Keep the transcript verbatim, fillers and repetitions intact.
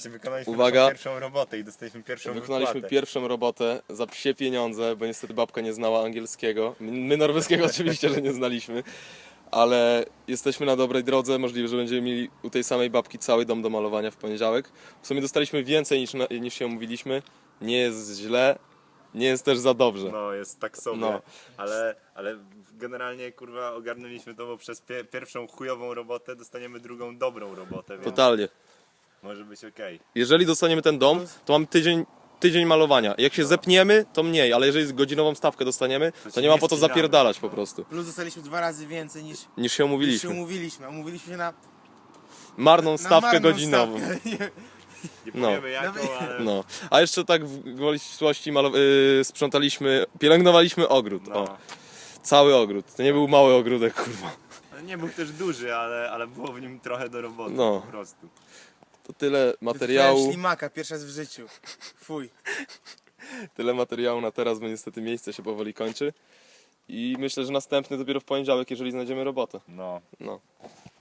Patrzcie, wykonaliśmy Uwaga. pierwszą robotę i dostaliśmy pierwszą Wykonaliśmy wypłatę. pierwszą robotę za psie pieniądze, bo niestety babka nie znała angielskiego. My norweskiego oczywiście, że nie znaliśmy. Ale jesteśmy na dobrej drodze, możliwe, że będziemy mieli u tej samej babki cały dom do malowania w poniedziałek. W sumie dostaliśmy więcej niż, na, niż się umówiliśmy. Nie jest źle, nie jest też za dobrze. No, jest tak sobie, No. ale, ale generalnie kurwa ogarnęliśmy to, bo przez pie pierwszą chujową robotę dostaniemy drugą dobrą robotę, więc Totalnie. może być okej. Jeżeli dostaniemy ten dom, to mamy tydzień, tydzień malowania. Jak się zepniemy, to mniej, ale jeżeli godzinową stawkę dostaniemy, to się nie ma nie po co spinamy. zapierdalać po prostu. Plus dostaliśmy dwa razy więcej niż, Niż się niż się umówiliśmy. umówiliśmy. Umówiliśmy się na, Marną na stawkę marną godzinową. stawkę. Nie, Nie No. powiemy jaką, ale No. A jeszcze tak w gwoli ścisłości malo- yy, sprzątaliśmy, pielęgnowaliśmy ogród. no. O, cały ogród. To nie był mały ogródek, kurwa. No, nie był też duży, ale, ale było w nim trochę do roboty No. po prostu. To tyle Wytwarzałem materiału. ślimaka pierwszy raz w życiu. Fuj. Tyle materiału na teraz, bo niestety miejsce się powoli kończy. I myślę, że następny dopiero w poniedziałek, jeżeli znajdziemy robotę. No. No.